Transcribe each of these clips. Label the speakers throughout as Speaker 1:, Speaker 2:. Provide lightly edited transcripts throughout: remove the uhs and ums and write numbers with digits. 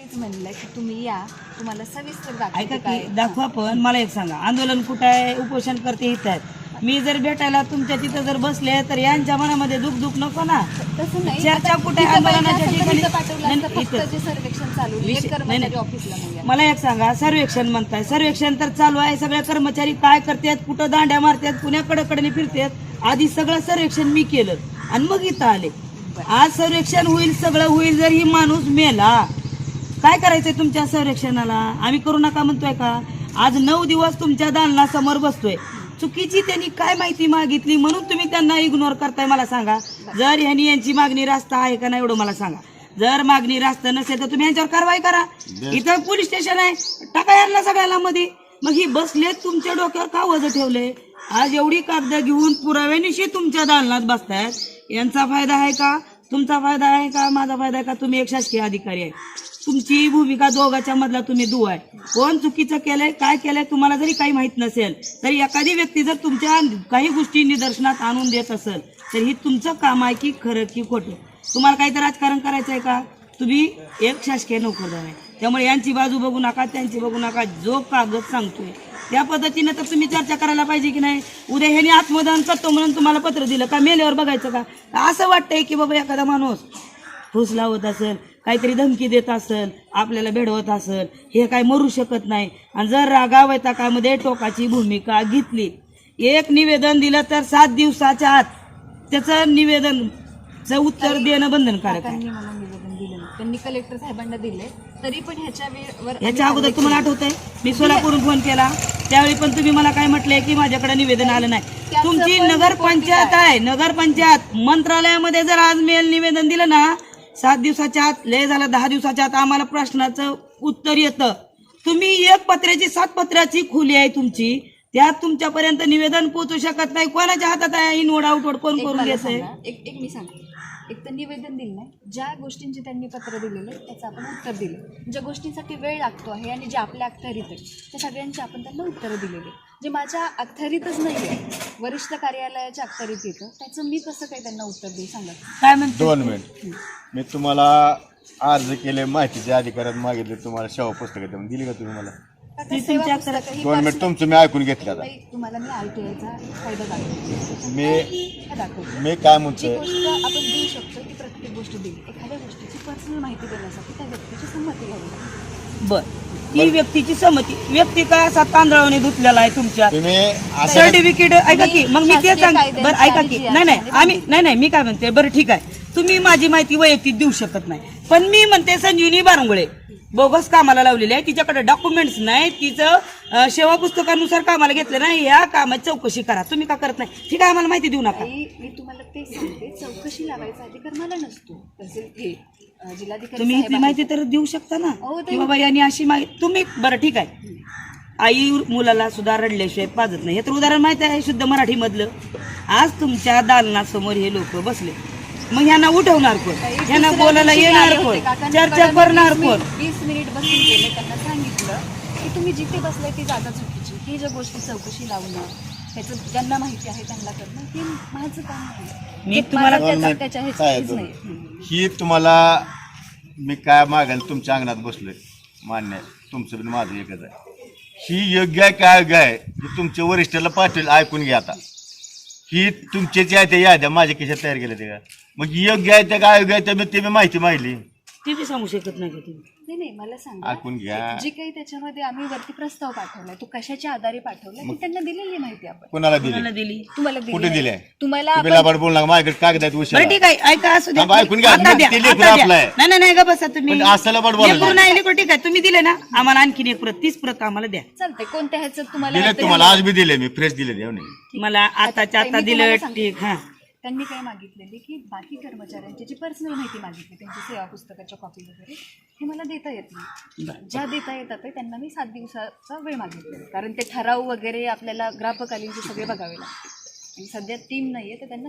Speaker 1: तेच म्हणलं की तुम्ही या, तुम्हाला सविस्तर
Speaker 2: ऐका
Speaker 1: दाखवते
Speaker 2: की दाखवा. पण मला एक सांगा, आंदोलन कुठं आहे, उपोषण करते इथं आहेत. मी जर भेटायला तुमच्या तिथं जर बसले तर यांच्या मनामध्ये दुख नको ना.
Speaker 1: तसं नाही.
Speaker 2: चर्चा
Speaker 1: आता
Speaker 2: कुठे
Speaker 1: तिथं
Speaker 2: आंदोलनाच्या
Speaker 1: पाहिजे असेल तर
Speaker 2: ठिकाणी
Speaker 1: तिथं पाठवलं
Speaker 2: नाही,
Speaker 1: असतं. फक्त
Speaker 2: इथं.
Speaker 1: जे सर्वेक्षण चालू आहे,
Speaker 2: विषय-
Speaker 1: एक कर्मचारी
Speaker 2: नाही, नाही.
Speaker 1: ऑफिसला नाही.
Speaker 2: मला एक सांगा, सर्वेक्षण म्हणताय, सर्वेक्षण तर चालू आहे. सगळे कर्मचारी काय करतात, कुठं दांड्या मारतात, पुण्याकडे कडे फिरतात. आधी सगळं सर्वेक्षण मी केलं आणि मग इथं आले. आज सर्वेक्षण होईल, सगळं होईल. जर ही माणूस मेला, काय करायचंय तुमच्या सर्वेक्षणाला? आम्ही करू नका म्हणतोय का? आज 9 दिवस तुमच्या दालनासमोर बसतोय. चुकीची त्यांनी काय माहिती मागितली म्हणून तुम्ही त्यांना इग्नोर करताय? मला सांगा, जर ह्यांनी यांची मागणी रास्त आहे का नाही एवढं मला सांगा. जर मागणी रास्त नसेल तर तुम्ही यांच्यावर कारवाई करा. इथं पोलीस स्टेशन आहे, टाका यांना सगळ्याला मध्ये. मग ही बसले तुमच्या डोक्यावर का वजन ठेवले? आज एवढी कागद घेऊन पुराव्यानिशी तुमच्या दालनात बसतायत. यांचा फायदा आहे का? तुमचा फायदा आहे का? माझा फायदा आहे का? तुम्ही एक शासकीय अधिकारी आहे. तुमची भूमिका दोघांच्या मधला तुम्ही दुवा आहे. कोण चुकीचं केलंय, काय केलंय, तुम्हाला जरी काही माहित नसेल तरी एखादी व्यक्ती जर तुमच्या काही गोष्टी निदर्शनात आणून देत असेल तर ही तुमचं काम आहे की खरं की खोटं? तुम्हाला काही तर राजकारण करायचं आहे का? तुम्ही एक शासकीय नोकरदार आहे. त्यामुळे यांची बाजू बघू नका, त्यांची बघू नका. जो कागद सांगतोय त्या पद्धतीनं तर तुम्ही चर्चा करायला पाहिजे की नाही? उद्या ह्याने आत्मदान करतो म्हणून तुम्हाला पत्र दिलं का? मेल्यावर बघायचं का? असं वाटतंय की बाबा एखादा माणूस फूस लावत असेल, काहीतरी धमकी देत असेल, आपल्याला भेडवत असेल, हे काय मरू शकत नाही. आणि जर रागावैताकामध्ये टोकाची भूमिका घेतली, एक निवेदन दिलं तर 7 दिवसाच्या आत त्याचं निवेदनचं उत्तर देणं बंधनकारक आहे.
Speaker 1: त्यांनी मला निवेदन दिलं नाही. त्यांनी कलेक्टर साहेबांना दिले, तरी पण
Speaker 2: ह्याच्या अगोदर तुम्हाला आठवतंय मी सोलापूरहून फोन केला, त्यावेळी पण तुम्ही मला काय म्हटलंय की माझ्याकडे निवेदन आलं नाही. तुमची नगरपंचायत आहे, नगरपंचायत मंत्रालयामध्ये जर आज मेल निवेदन दिलं ना, 7 दिवसाच्या आत, लय झालं 10 दिवसाच्या आत आम्हाला प्रश्नाचं उत्तर येतं. तुम्ही एक पत्र्याची 7 पत्र्याची खोली आहे तुमची, त्यात तुमच्यापर्यंत निवेदन पोहोचू शकत नाही. कोणाच्या हातात आहे इनवड आउटवड कोण करून घ्यायचंय?
Speaker 1: एक मी सांगते, एक तर निवेदन दिलं नाही. ज्या गोष्टींची त्यांनी पत्र दिलेलं त्याचं आपण उत्तर दिलं. ज्या गोष्टींसाठी वेळ लागतो आहे आणि जे आपल्या अखत्यारीत आहे त्या सगळ्यांची आपण त्यांना उत्तरं दिलेली. जे माझ्या अखत्यारीतच नाही आहे, वरिष्ठ कार्यालयाच्या अखत्यारीत येतं, त्याचं मी कसं काही त्यांना उत्तर देऊ सांगा?
Speaker 2: काय म्हणतो?
Speaker 3: 2 मिनिट. मी तुम्हाला अर्ज केले, माहितीचे अधिकारात मागितले, तुम्हाला सेवा पुस्तकं दिली का तुम्ही मला?
Speaker 2: ती तुमच्या अखत्यारीत.
Speaker 3: 2 मिनिट तुमचं मी ऐकून घेतलं आता.
Speaker 1: तुम्हाला मी RTIचा फायदा दाखवतो.
Speaker 3: मी काय
Speaker 1: जी
Speaker 3: म्हणतोय,
Speaker 1: गोष्ट आपण देऊ शकतो ती प्रत्येक गोष्ट देईल. एखाद्या गोष्टीची पर्सनल माहिती देण्यासाठी त्या व्यक्तीची संमती घ्यावी लागते.
Speaker 2: बर, ती व्यक्तीची संमती. व्यक्ती काय असा तांदळाने धुतलेला आहे तुमच्या
Speaker 3: तुम्ही असं
Speaker 2: सर्टिफिकेट? ऐका की, मग मी ते सांग. बरं ऐका की, नाही मी काय म्हणते, बरं ठीक आहे, तुम्ही माझी माहिती वैयक्तिक देऊ शकत नाही, पण मी म्हणते संजीवनी बारंगुळे बोगस कामाला लावलेली आहे, तिच्याकडे डॉक्युमेंट्स नाही, तिचं सेवा पुस्तकानुसार कामाला घेतलं नाही, या कामाची चौकशी करा. तुम्ही का करत नाही? ठीक आहे, आम्हाला माहिती देऊ नका.
Speaker 1: मी तुम्हाला ते सांगते, चौकशी लावायचा अधिकार मला नसतो. जिल्हाधिकारी
Speaker 2: तुम्ही इथली माहिती तर देऊ शकता ना की बाबा यांनी अशी माहिती. तुम्ही बरं ठीक आहे, आई मुलाला सुद्धा रडल्याशिवाय पाजत नाही, हे तर उदाहरण माहिती आहे शुद्ध मराठी मधलं. आज तुमच्या दालनासमोर हे लोक बसले, मग ह्यांना उठवणार कोण? ह्यांना बोलायला येणार कोण? चर्चा करणार कोण?
Speaker 1: 20 मिनिट बसून गेले, त्यांना सांगितलं की तुम्ही जिथे बसलाय ती जागा चुकीची. ही ज्या गोष्टी चौकशी लावणं, त्याचं ज्यांना माहिती आहे त्यांना करणं, हे माझं काम आहे.
Speaker 2: मी तुम्हाला
Speaker 1: त्याच्या
Speaker 3: काय
Speaker 1: ह्याचीच
Speaker 3: आहे
Speaker 1: नाही.
Speaker 3: ही तुम्हाला मी काय मागायला तुमच्या अंगणात बसलोय, मान्य आहे, तुमचं पण माझं एकच आहे. ही योग्य आहे काय योग्य आहे हे तुमच्या वरिष्ठाला पाठवेल, ऐकून घ्या. आता ही तुमचे जे आहे त्या याद्या माझ्या खिशात तयार केल्या त्या, मग योग्य आहे त्या काय योग्य आहे त्या ते मी माहिती मागली.
Speaker 2: ती बी सांगू शकत नाही का तुम्ही?
Speaker 1: नाही मला सांगा,
Speaker 3: ऐकून घ्या.
Speaker 1: जे काही त्याच्यामध्ये आम्ही वरती प्रस्ताव पाठवलाय तो कशाच्या आधारे पाठवलाय ती त्यांना दिलेली माहिती आपण.
Speaker 3: कोणाला
Speaker 2: कोणाला
Speaker 3: दिली?
Speaker 2: दिली?
Speaker 1: तुम्हाला
Speaker 3: कुठे दिले?
Speaker 1: तुम्हाला
Speaker 3: तुम्ही लाबाड बोल नका, माझ्याकडे कागद आहेत उशिरा.
Speaker 2: बरं ठीक आहे, ऐका, असू द्या.
Speaker 3: थांबा, ऐकून घ्या.
Speaker 2: आता द्या,
Speaker 3: ते लेकरं
Speaker 2: आता द्या.
Speaker 3: आपलं आहे.
Speaker 2: नाही नाही ग बसा तुम्ही.
Speaker 3: पण असं लाबाड बोलायचं.
Speaker 2: लेकरं नाही, लेकरं ठीक आहे, तुम्ही दिले ना आम्हाला आणखीन एक प्रत, 30 प्रत आम्हाला द्या.
Speaker 1: चालतंय. कोणत्या ह्याचं तुम्हाला
Speaker 3: दिले तुम्हाला आज बी दिले, मी फ्रेश दिले देव नाही.
Speaker 2: मला आताच्या आता
Speaker 1: मी
Speaker 2: दिलं
Speaker 1: तुम्हाला सांगते.
Speaker 2: ठीक. हा,
Speaker 1: त्यांनी काय मागितलेली की बाकी कर्मचाऱ्यांची जी पर्सनल माहिती मागितली, त्यांची सेवा पुस्तकाच्या कॉपी वगैरे, हे मला देता येत नाही. ज्या देता येतात ते त्यांना मी 7 दिवसाचा वेळ मागितलेला, कारण ते ठराव वगैरे आपल्याला ग्राहकालीनचे सगळे बघावे लागते आणि सध्या टीम नाहीये, तर त्यांना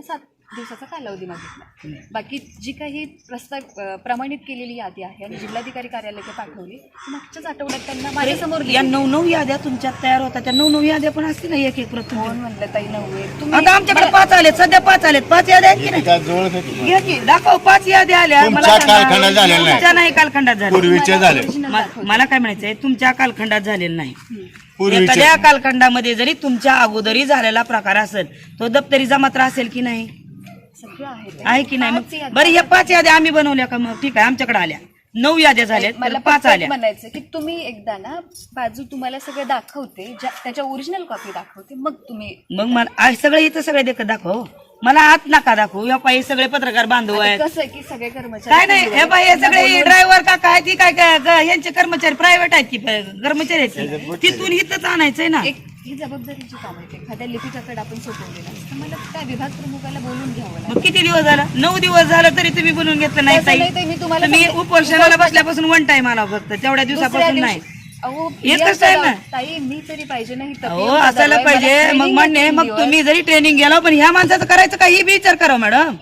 Speaker 1: दिवसाचा कालावधी मागितला. बाकी जी काही प्रमाणित केलेली यादी आहे आणि जिल्हाधिकारी कार्यालयाकडे पाठवली ती मागच्याच आठवड्यात त्यांना माझ्यासमोर
Speaker 2: या 9 याद्या तुमच्यात तयार होतात, त्या 9 याद्या पण असतील ना एक एक प्रत
Speaker 1: कोण म्हणलं ताई नव्हे
Speaker 2: आता आमच्याकडे 5 आलेत, सध्या 5 आलेत. 5 याद्या आहेत की नाही?
Speaker 3: काय जवळ होती?
Speaker 2: घे की, दाखव. 5 याद्या आल्या. मला
Speaker 3: तुमच्या
Speaker 2: सांगा.
Speaker 3: कालखंडात झालेल्या नाही.
Speaker 2: तुमच्या नाही कालखंडात झाल्या.
Speaker 3: पूर्वीचे झाले.
Speaker 2: मला काय म्हणायचंय, तुमच्या कालखंडात झालेलं नाही.
Speaker 3: पूर्वीचे
Speaker 2: एखाद्या कालखंडामध्ये जरी तुमच्या अगोदरी झालेला प्रकार असेल तो दप्तरी जमात्रा असेल की नाही?
Speaker 1: सगळं आहे
Speaker 2: आहे की नाही?
Speaker 1: 5
Speaker 2: मग
Speaker 1: याद्या.
Speaker 2: बरं, या 5 याद्या आम्ही बनवल्या का? मग ठीक आहे, आमच्याकडे आल्या 9 याद्या झाल्यात,
Speaker 1: मला
Speaker 2: 5 आल्या.
Speaker 1: म्हणायचं की तुम्ही एकदा ना बाजू तुम्हाला सगळं दाखवते त्याच्या ओरिजिनल कॉपी दाखवते मग तुम्ही
Speaker 2: मग मला सगळं इथं सगळे देखत दाखव. मला आत नका दाखवू. या पायी सगळे पत्रकार बांधव आहेत.
Speaker 1: कसं आहे की सगळे कर्मचारी
Speaker 2: काय नाही, हे बाई हे सगळे ड्रायव्हर का काय ती काय काय यांचे कर्मचारी प्रायव्हेट आहेत की कर्मचारी आहेत की? तिथून इथंच आणायचंय ना.
Speaker 1: एक ही जबाबदारीची काम आहे. एखाद्या लिपिकाकडे आपण सोपवलेलं असतं मला त्या विभाग प्रमुखाला बोलून घ्यावं लागतं.
Speaker 2: मग किती दिवस झाला? 9 दिवस झालं तरी तुम्ही बोलून घेतलं नाही
Speaker 1: तसं
Speaker 2: ताई.
Speaker 1: नाही ताई, मी तुम्हाला
Speaker 2: तुम्ही
Speaker 1: सांगते.
Speaker 2: उपोषणाला बसल्यापासून 1 टाइम आला फक्त, तेवढ्या दिवसापासून नाही.
Speaker 1: अहो
Speaker 2: एकच आहे ना.
Speaker 1: ताई मी तरी पाहिजे नाही तर
Speaker 2: हो असायला पाहिजे. मग म्हणणे मग तुम्ही जरी ट्रेनिंग गेला पण ह्या माणसाचं करायचं का ही बी विचार करा मॅडम.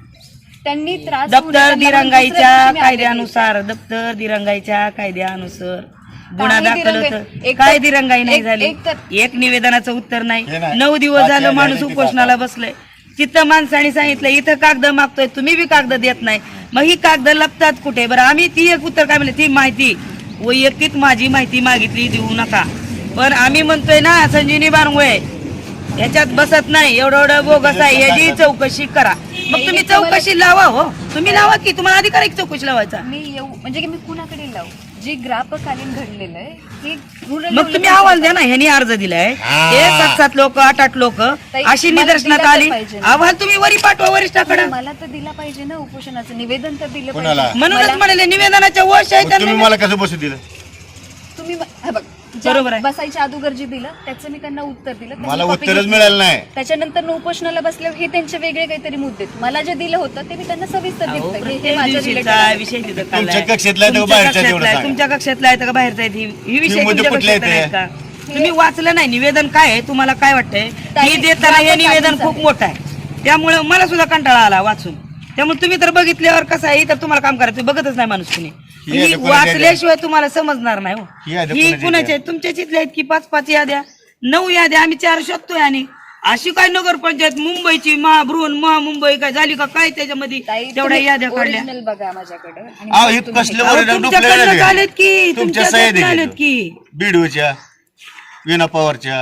Speaker 1: त्यांनी त्रास होऊ
Speaker 2: दप्तर
Speaker 1: नये, त्यांना दुसऱ्या
Speaker 2: दिरंगाईच्या
Speaker 1: दिवशी मी आले.
Speaker 2: कायद्यानुसार दप्तर दिरंगाईच्या कायद्यानुसार गुन्हा
Speaker 1: काही
Speaker 2: दाखल
Speaker 1: दिरंगाई-
Speaker 2: होतं.
Speaker 1: एक
Speaker 2: काय
Speaker 1: तर-
Speaker 2: दिरंगाई नाही
Speaker 1: एक-
Speaker 2: झाली?
Speaker 1: एक तर-
Speaker 2: एक निवेदनाचं उत्तर नाही.
Speaker 3: हे नाही.
Speaker 2: 9 दिवस
Speaker 3: 5
Speaker 2: झालं
Speaker 3: याद्या
Speaker 2: माणूस
Speaker 3: नाही
Speaker 2: उपोषणाला बसलंय. तिथं माणसाने सांगितलं इथं कागद मागतोय, तुम्ही बी कागद देत नाही. मग ही कागद लपतात कुठे? बरं आम्ही ती एक उत्तर काय म्हणलं, ती माहिती वैयक्तिक माझी माहिती मागितली देऊ नका. पण आम्ही म्हणतोय ना संजीवनी बारंगुळे ह्याच्यात बसत नाही, एवढं बोगस आहे, ह्याची चौकशी करा. मग तुम्ही चौकशी लावा. हो तुम्ही लावा की, तुम्हाला अधिकार आहे की चौकशी लावायचा.
Speaker 1: मी येऊ म्हणजे की मी कुणाकडे लावू? जे ग्रापकालीन घडलेलं आहे हे rural
Speaker 2: मग तुम्ही अहवाल द्या ना. ह्यांनी अर्ज दिलाय, हे 7-7 लोक 8-8 लोक अशी
Speaker 1: मला
Speaker 2: निदर्शनात
Speaker 1: दिला तर
Speaker 2: आली.
Speaker 1: पाहिजे ना.
Speaker 2: अहवाल तुम्ही वरी पाठवा वरिष्ठाकडे.
Speaker 1: मला तर दिला पाहिजे ना उपोषणाचं निवेदन तर दिलं
Speaker 3: कोणाला?
Speaker 1: पाहिजे.
Speaker 2: म्हणूनच
Speaker 1: मला-
Speaker 2: म्हणाले निवेदनाच्या वश आहे
Speaker 3: मग तुम्ही
Speaker 2: त्यांना.
Speaker 3: मला कसं बसू दिलं?
Speaker 1: तुम्ही हे बघ
Speaker 2: बरोबर आहे.
Speaker 1: बसायच्या अगोदर जे दिलं त्याचं मी त्यांना उत्तर दिलं त्याची
Speaker 3: मला
Speaker 1: copy
Speaker 3: उत्तरच
Speaker 1: घेतली.
Speaker 3: मिळालं नाही.
Speaker 1: त्याच्यानंतर उपोषणाला बसल्यावर हे त्यांचे वेगळे काहीतरी मुद्दे आहेत. मला जे दिलं होतं ते मी त्यांना सविस्तर
Speaker 2: अहो,
Speaker 1: दिलं हे
Speaker 2: प्रत्येक
Speaker 1: माझ्या
Speaker 2: दिवशीचा
Speaker 1: related आहे.
Speaker 2: विषय तिथं
Speaker 3: तुमच्या
Speaker 2: काढलाय.
Speaker 3: कक्षेतला आहे का
Speaker 2: तुमच्या
Speaker 3: बाहेरचा तेवढं
Speaker 2: कक्षेतला आहे,
Speaker 3: सांगा.
Speaker 2: तुमच्या कक्षेतला आहे का बाहेरचा आहे? ही विषय
Speaker 3: म्हणजे
Speaker 2: तुमच्या
Speaker 3: कुठले
Speaker 2: कक्षेतला
Speaker 3: आहेत
Speaker 2: आहेत का? तुम्ही वाचलं नाही निवेदन काय आहे? तुम्हाला काय वाटतंय?
Speaker 1: ताई,
Speaker 2: मी देताना हे
Speaker 1: ग्राहक
Speaker 2: निवेदन
Speaker 1: आधीच
Speaker 2: खूप
Speaker 1: आहे.
Speaker 2: मोठं आहे, त्यामुळे मला सुद्धा कंटाळा आला वाचून. त्यामुळे तुम्ही तर बघितल्यावर कसं आहे तर तुम्हाला काम करायचं बघतच नाही माणूस तुम्ही.
Speaker 3: ही यादी कोणाची आहे?
Speaker 2: वाचल्याशिवाय तुम्हाला समजणार नाही.
Speaker 3: ही यादी
Speaker 2: ही
Speaker 3: कोणाची
Speaker 2: कुणाची आहे? तुमच्या चिथल्या आहेत की 5-5 याद्या 9 याद्या आम्ही 4 शोधतोय. आणि अशी काय नगरपंचायत मुंबईची मुंबई काय झाली का काय त्याच्यामध्ये
Speaker 1: ताई,
Speaker 2: तेवढ्या
Speaker 1: तुम्ही
Speaker 2: याद्या काढल्या?
Speaker 1: original बघा माझ्याकडे आणि
Speaker 3: अहो,
Speaker 1: मग
Speaker 3: हे
Speaker 1: तुम्ही
Speaker 3: कसले
Speaker 1: हे
Speaker 2: अहो,
Speaker 3: वर
Speaker 2: तुमच्याकडनं
Speaker 3: डुप्लिकेट
Speaker 2: झालेत की
Speaker 3: तुमच्या
Speaker 2: तुमच्याकडनं
Speaker 3: सह्या
Speaker 2: झालेत
Speaker 3: देखील
Speaker 2: की
Speaker 3: बीडूच्या विना पवारच्या.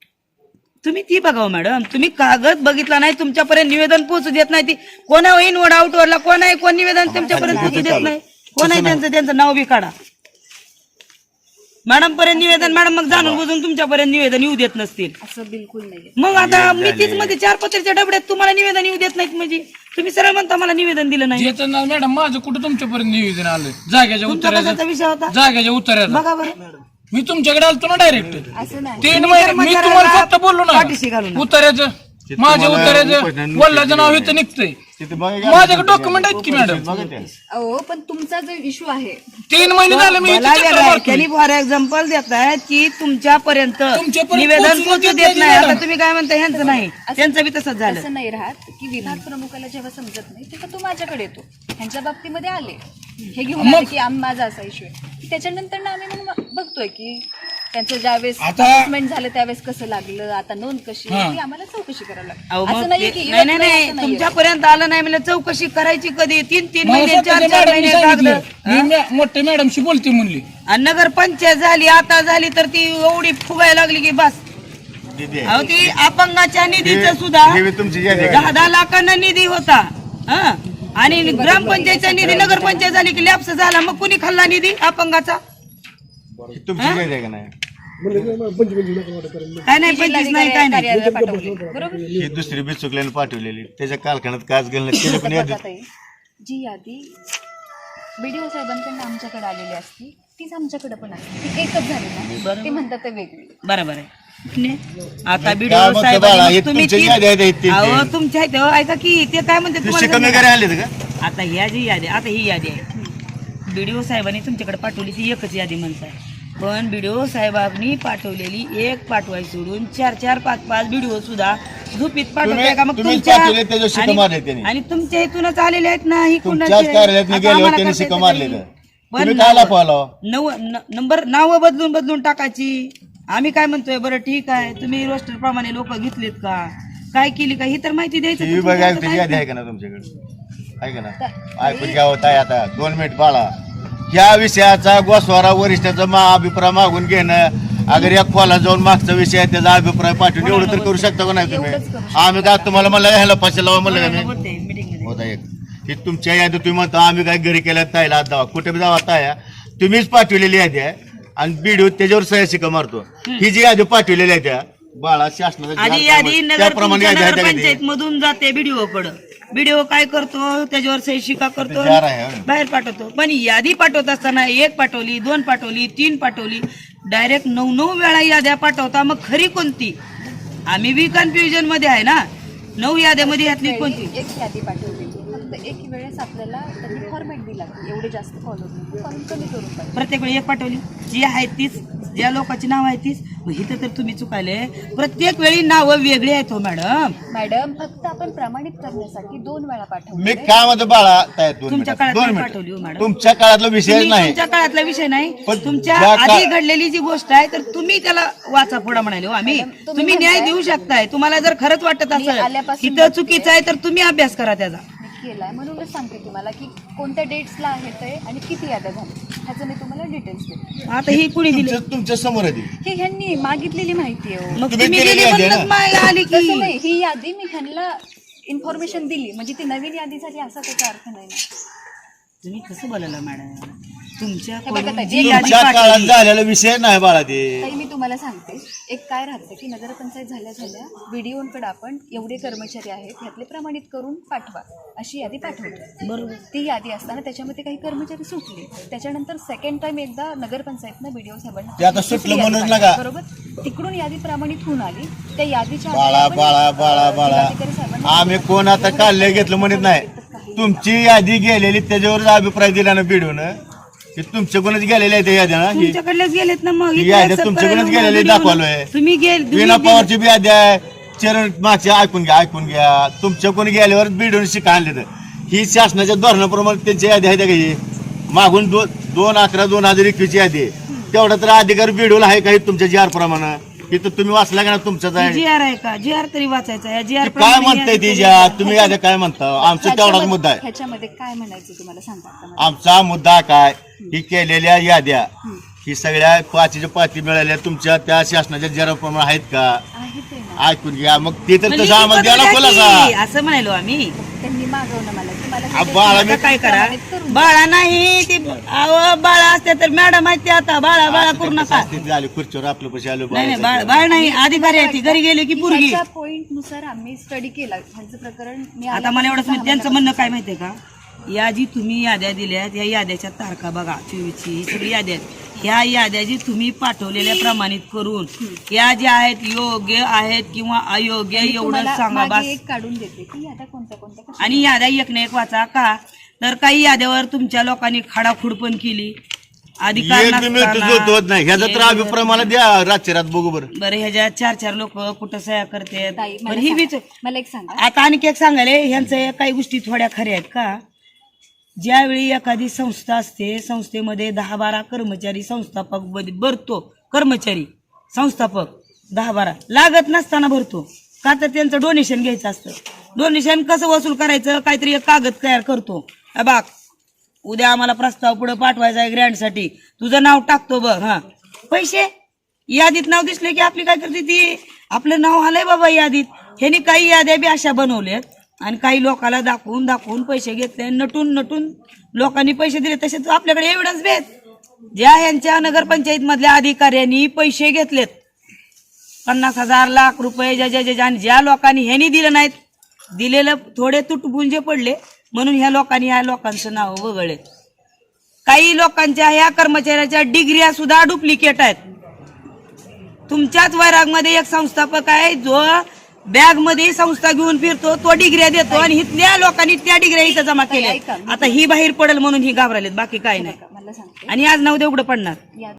Speaker 2: तुम्ही ती बघाव मॅडम. तुम्ही कागद बघितला नाही, तुमच्यापर्यंत निवेदन पोहोचू देत नाही. ती कोणा इनवर्ड आउटवरला कोण आहे कोण निवेदन तुमच्यापर्यंत पोहोचू देत नाही. कोण आहे त्यांचं नाव बी काढा. मॅडम पर्यंत निवेदन मॅडम मग जाणून बुजून तुमच्यापर्यंत निवेदन येऊ देत नसतील.
Speaker 1: असं बिलकुल नाहीये.
Speaker 2: मग आता मी तीच मध्ये 4 पत्र्याच्या डबड्यात तुम्हाला निवेदन येऊ देत नाहीत म्हणजे तुम्ही सरळ म्हणता मला निवेदन दिलं नाही.
Speaker 4: येतं ना मॅडम माझं कुठं तुमच्यापर्यंत निवेदन आलं जाग्याच्या
Speaker 2: तुमचा
Speaker 4: उत्तराचं
Speaker 2: कशाचा विषय होता
Speaker 4: जाग्याच्या उत्तराचं
Speaker 2: बघा बरं.
Speaker 4: मी तुमच्याकडे आलतो ना डायरेक्ट
Speaker 1: असं नाही
Speaker 4: 3 महिने मी तुम्हाला फक्त बोललो ना
Speaker 2: पाठीशी घालून.
Speaker 4: उत्तराचं माझ्या
Speaker 3: तुम्हाला
Speaker 4: उत्तराचं
Speaker 3: उपोषण
Speaker 4: वल्लाचं नाव इथं निघतंय.
Speaker 3: तिथे बघा की
Speaker 4: माझ्याकडे डॉक्युमेंट आहेत की मॅडम
Speaker 3: बघा ते.
Speaker 1: अहो पण तुमचा जो इश्यू आहे
Speaker 4: 3 महिने झाले मी इथं
Speaker 2: मला
Speaker 4: चक्कर
Speaker 2: वेगळं आहे.
Speaker 4: मारतोय.
Speaker 2: त्यांनी फॉर एक्झाम्पल देत आहेत की तुमच्यापर्यंत निवेदन
Speaker 4: पोहोचू
Speaker 2: पोहोचू
Speaker 4: देत
Speaker 2: देत नाही.
Speaker 4: नाही
Speaker 2: आता
Speaker 4: मॅडम.
Speaker 2: तुम्ही काय म्हणता ह्यांचं नाही, त्यांचं बी तसंच झालं.
Speaker 1: असं नाही राहत की विभाग प्रमुखाला जेव्हा समजत नाही तेव्हा तो माझ्याकडे येतो. ह्यांच्या बाबतीमध्ये आले हे घेऊन आले की माझा असा इश्यू आहे. त्याच्यानंतर ना आम्ही मग बघतोय की त्यांचं ज्यावेळेस
Speaker 4: आता-
Speaker 1: assessment झालं त्यावेळेस कसं लागलं, आता नोंद कशी आहे, ती आम्हाला चौकशी करावी
Speaker 2: अहो,
Speaker 1: लागते.
Speaker 2: मग
Speaker 1: असं नाहीये
Speaker 2: ते-
Speaker 1: की
Speaker 2: नाही नाही
Speaker 1: येत नाही,
Speaker 2: नाही
Speaker 1: असं नाहीये.
Speaker 2: तुमच्यापर्यंत आलं नाही म्हणजे चौकशी करायची कधी? 3-3
Speaker 4: मला
Speaker 2: महिने
Speaker 4: स्वतःच्या
Speaker 2: 4-4
Speaker 4: मॅडमनी
Speaker 2: महिने
Speaker 4: सांगितलं.
Speaker 2: लागलं.
Speaker 4: मी मोठ्या मॅडमशी बोलते म्हणली
Speaker 2: आणि नगरपंचायत झाली आता झाली तर ती एवढी फुगायला लागली की बस.
Speaker 3: किती आहे?
Speaker 2: अहो ती अपंगाच्या निधीचं
Speaker 3: हे-
Speaker 2: सुद्धा
Speaker 3: हे बी तुमची यादी आहे.
Speaker 2: 10-10 लाखांना निधी होता. हा आणि ग्रामपंचायतचा निधी नगरपंचायत झाली की लॅप्स झाला. मग कुणी खाल्ला निधी अपंगाचा?
Speaker 3: ही तुमची यादी आहे का नाही?
Speaker 2: काय नाही 25 नाही काय नाही.
Speaker 1: कार्यालयाला पाठवले. बरोबर
Speaker 3: ही दुसरी बी चुकल्याने पाठवलेली त्याच्या कालखंडात काच घालण्यात त्याला पण
Speaker 1: बघा
Speaker 3: यादी.
Speaker 1: ताई, जी यादी बीडीओ साहेबांकडून आमच्याकडे आलेली असती तीच आमच्याकडे पण असते. ती एकच झाली ना, ते म्हणतात ते वेगळी.
Speaker 2: बरोबर आहे. ने? आता
Speaker 3: काय
Speaker 2: बीडीओ
Speaker 3: म्हणतो
Speaker 2: साहेब
Speaker 3: बाळा, हे तुमच्या याद्या आहेत ते.
Speaker 2: अहो तुमच्या आहेत, अहो, ऐका की ते काय म्हणते
Speaker 3: ते
Speaker 2: तुम्हाला
Speaker 3: शिकवणे
Speaker 2: सांगू
Speaker 3: वगैरे
Speaker 2: का?
Speaker 3: आलेत का?
Speaker 2: आता ह्या जी यादी आता ही यादी आहे बीडीओ साहेबांनी तुमच्याकडे पाठवली ती एकच यादी म्हणताय. पण बीडीओ साहेबांनी पाठवलेली एक पाठवाय सोडून 4-4, 5-5 बीडीओ सुद्धा झोपीत पाठवताय का? मग
Speaker 3: तुम्हीच पाठवले, त्याच्यावर शिक्का मारले त्यांनी.
Speaker 2: आणि तुमच्या इथूनच आलेले आहेत ना, ही
Speaker 3: तुमच्याच कार्यालयात गेल्यावर त्यांनी शिक्का मारले का? तुम्ही काय लपवलं?
Speaker 2: नंबर नाव बदलून टाकायची. आम्ही काय म्हणतोय, बरं ठीक आहे, तुम्ही रोस्टर प्रमाणे लोक घेतलेत का, काय केली का, ही तर माहिती द्यायची.
Speaker 3: टीव्ही बघायला त्याची यादी आहे का ना तुमच्याकडे? आहे का ना? ऐकून घ्या होता आता 2 मिनिट बाळा. या विषयाचा गोस्वारा वरिष्ठाचा अभिप्राय मागून घेणं, अगर या खोला जाऊन मागचा विषय आहे त्याचा अभिप्राय पाठवून एवढं तर करू शकता का नाही तुम्ही? आम्ही काय तुम्हाला म्हणलं ह्याला पैसे लावा म्हणलं का मी? होता एक की तुमच्या यादी तुम्ही म्हणतो आम्ही काय घरी केल्या ताईला हात दावा, कुठे जावा ताया, तुम्हीच पाठवलेली यादी आहे आणि बीडीओ त्याच्यावर सह्या शिक्का मारतो. ही जी यादी पाठवलेली आहे त्या बाळा शासनाचा
Speaker 2: आधी यादी
Speaker 3: त्याप्रमाणे यादी आहे का
Speaker 2: नगरपंचायत मधून जाते बीडीओ कडं. बीडीओ काय करतो, त्याच्यावर सही शिक्का करतो,
Speaker 3: जार आहे.
Speaker 2: बाहेर पाठवतो. पण यादी पाठवत असताना 1 पाठवली, 2 पाठवली, 3 पाठवली, डायरेक्ट 9 वेळा याद्या पाठवता. मग खरी कोणती? आम्ही बी कन्फ्युजन मध्ये आहे ना. 9 याद्यामध्ये ह्यातली कोणती?
Speaker 1: एक यादी पाठवलेली, फक्त एक वेळेस आपल्याला त्यांनी फॉर्मॅट दिला की एवढे जास्त फॉलो फॉर्म कमी करून पाहिजे.
Speaker 2: प्रत्येक वेळी 1 पाठवली, जी आहे तीच, ज्या लोकांची नाव आहे तीच. मग इथं तर तुम्ही चुकायले, प्रत्येक वेळी नावं वेगळी आहेत हो मॅडम.
Speaker 1: मॅडम फक्त आपण प्रमाणित करण्यासाठी 2 वेळा
Speaker 3: मी
Speaker 1: पाठवले.
Speaker 3: काय म्हणतो बाळा ताई, 2
Speaker 2: तुमच्या
Speaker 3: मिनिट
Speaker 2: काळात
Speaker 3: 2
Speaker 2: नाही पाठवली हो
Speaker 3: मिनिट.
Speaker 2: मॅडम.
Speaker 3: तुमच्या काळातला विषय
Speaker 2: तुम्ही
Speaker 3: नाही.
Speaker 2: तुमच्या काळातला विषय नाही,
Speaker 3: पण
Speaker 2: तुमच्या
Speaker 3: ज्या
Speaker 2: आधी घडलेली जी गोष्ट आहे तर तुम्ही त्याला वाचा पुढे म्हणाले हो आम्ही.
Speaker 1: मॅडम, तुम्ही
Speaker 2: तुम्ही न्याय
Speaker 1: म्हणताय-
Speaker 2: देऊ शकताय. तुम्हाला जर खरंच वाटत
Speaker 1: मी
Speaker 2: असेल
Speaker 1: आल्यापासून
Speaker 2: इथं चुकीचं आहे तर तुम्ही अभ्यास करा त्याचा.
Speaker 1: केलाय म्हणूनच सांगते तुम्हाला की कोणत्या डेट्सला आहे ते आणि किती याद्या झाल्या ह्याचं मी तुम्हाला डिटेल्स देते.
Speaker 2: आता ही कुणी दिली?
Speaker 3: तुमच्या समोर आहे ती.
Speaker 1: हे ह्यांनी मागितलेली माहिती आहे हो.
Speaker 2: मग
Speaker 3: तुम्ही
Speaker 2: तुम्ही
Speaker 3: केलेली
Speaker 2: दिली
Speaker 3: यादी आहे
Speaker 2: म्हणूनच
Speaker 3: ना?
Speaker 2: माय आली
Speaker 1: तसं
Speaker 2: की.
Speaker 1: नाही, ही यादी मी ह्यांना इन्फॉर्मेशन दिली म्हणजे ती नवीन यादी झाली असा त्याचा अर्थ नाही ना.
Speaker 2: तुम्ही कसं बोलायला मॅडम? तुमच्या
Speaker 1: हे बघा ताई,
Speaker 2: जी यादी
Speaker 3: तुमच्या काळात
Speaker 2: पाठवली,
Speaker 3: झालेला विषय नाही बाळा ते.
Speaker 1: ताई मी तुम्हाला सांगते, एक काय राहतं की नगरपंचायत झाल्या व्हिडिओकडे आपण एवढे कर्मचारी आहेत ह्यातले प्रमाणित करून पाठवा अशी यादी पाठवतो.
Speaker 2: बरोबर.
Speaker 1: ती यादी असताना त्याच्यामध्ये काही कर्मचारी सुटले, त्याच्यानंतर सेकंड टाइम एकदा नगरपंचायतनं व्हिडिओ साहेबांना
Speaker 3: ते आता
Speaker 1: दुसरी
Speaker 3: सुटलं
Speaker 1: यादी
Speaker 3: म्हणून
Speaker 1: पाठवली.
Speaker 3: नका.
Speaker 1: बरोबर, तिकडून यादी प्रमाणित होऊन आली. त्या यादीच्या
Speaker 3: बाळा
Speaker 1: आधारे आपण
Speaker 3: बाळा बाळा बाळा
Speaker 1: जिल्हाधिकारी साहेबांना
Speaker 3: आम्ही कोण आता काढले घेतलं म्हणत नाही. तुमची यादी गेलेली त्याच्यावरच अभिप्राय दिला ना बिडून की तुमच्याकडूनच गेलेले आहे त्या याद्या ना. ही
Speaker 2: तुमच्याकडलेच गेलेत ना. मग
Speaker 3: ही
Speaker 2: इथे
Speaker 3: याद्या
Speaker 2: accept
Speaker 3: तुमच्याकडूनच
Speaker 2: करायला
Speaker 3: गेलेली
Speaker 2: video
Speaker 3: दाखवलोय.
Speaker 2: तुम्ही
Speaker 3: विना पवारची बी यादी आहे, चरण मागच्या ऐकून घ्या तुमच्याकडून गेल्यावर बिडून शिका आणले तर ही शासनाच्या धोरणाप्रमाणे त्यांची यादी आहे का? ही मागून 2/11/2021 यादी आहे. तेवढा तर अधिकार बिडूला आहे काही तुमच्या जी आर प्रमाणे. इथं तुम्ही वाचला का ना तुमचाच आहे.
Speaker 2: जी आर आहे का? जी आर तरी वाचायचा. या जी आर
Speaker 3: काय म्हणताय ती ज्या तुम्ही याद्या काय म्हणता? आमचा तेवढाच मुद्दा आहे.
Speaker 1: ह्याच्यामध्ये काय म्हणायचं तुम्हाला सांगा आता मला.
Speaker 3: आमचा मुद्दा काय, ही केलेल्या याद्या ही सगळ्या 5च्या 5 मिळाल्या तुमच्या त्या शासनाच्या जराप्रमाणे आहेत का?
Speaker 1: आहे ते ना,
Speaker 3: ऐकून घ्या. मग ते तर
Speaker 2: म्हणजे
Speaker 3: तसं आम्हाला द्यायला
Speaker 2: की
Speaker 3: खुलासा.
Speaker 2: असं म्हणालो आम्ही.
Speaker 1: त्यांनी मागवलं मला की मला
Speaker 3: आ, बाळा
Speaker 2: आता काय करा, बाळा नाही ती बाळा असते तर मॅडम आहेत ते. आता बाळा करू नका.
Speaker 3: झाली खुर्चीवर आपलं पैसे आलो
Speaker 2: नाही बाळ नाही, अधिकारी आहे ती, घरी गेली की पोरगी.
Speaker 1: पॉइंट नुसार आम्ही स्टडी केला ह्यांचं प्रकरण. मी
Speaker 2: आता मला एवढंच माहिती, त्यांचं म्हणणं काय माहितीये का, या जी तुम्ही याद्या दिल्यात या याद्याच्या तारखा बघा 24ची ही सगळी याद्या आहेत. ह्या याद्या जी तुम्ही पाठवलेल्या प्रमाणित करून या ज्या आहेत योग्य आहेत किंवा अयोग्य एवढं सांगा बस.
Speaker 1: एक काढून देते की याद्या कोणत्या कोणत्या कशा.
Speaker 2: आणि याद्या एक ना एक वाचा का, तर काही याद्यावर तुमच्या लोकांनी खाडाखुड पण केली. अधिकार
Speaker 3: एक मिनिट होत नाही. ह्याचा तर अभिप्राय मला द्या रातच्या रात बघू बरं.
Speaker 2: बरं ह्याच्या 4-4 लोक कुठं सह्या करतात.
Speaker 1: ताई,
Speaker 2: बरं ही विचार
Speaker 1: मला एक सांगा,
Speaker 2: आता आणखी एक सांगायला ह्यांचं काही गोष्टी थोड्या खऱ्या आहेत का. ज्यावेळी एखादी संस्था असते, संस्थेमध्ये 10-12 कर्मचारी संस्थापक भरतो. कर्मचारी संस्थापक 10-12 लागत नसताना भरतो का, तर त्यांचं डोनेशन घ्यायचं असतं. डोनेशन कसं वसूल करायचं, काहीतरी एक कागद तयार करतो. बाग उद्या आम्हाला प्रस्ताव पुढे पाठवायचा आहे ग्रँडसाठी, तुझं नाव टाकतो बघ. हा पैसे यादीत नाव दिसले की आपली काय करते ती, आपलं नाव आलंय बाबा यादीत. ह्यानी काही याद्या बी अशा बनवल्यात आणि काही लोकांना दाखवून पैसे घेतले. नटून लोकांनी पैसे दिले. तसेच आपल्याकडे एव्हिडन्स भेट ज्या ह्यांच्या नगरपंचायत मधल्या अधिकाऱ्यांनी पैसे घेतलेत 50,000 लाख रुपये ज्या लोकांनी ह्यांनी दिलं नाहीत, दिलेलं थोडे तुटपुंजे पडले म्हणून ह्या लोकांचं नाव वगळले. काही लोकांच्या ह्या कर्मचाऱ्याच्या डिग्र्या सुद्धा डुप्लिकेट आहेत. तुमच्याच वैरागमध्ये एक संस्थापक आहे जो बॅग मध्ये संस्था घेऊन फिरतो, तो डिग्र्या देतो आणि इथल्या लोकांनी त्या डिग्र्या इथं जमा केल्या. आता ही बाहेर पडेल म्हणून ही घाबरलेत, बाकी काही नाही.
Speaker 1: मला सांगते
Speaker 2: आणि आज 9 उघडं पडणार.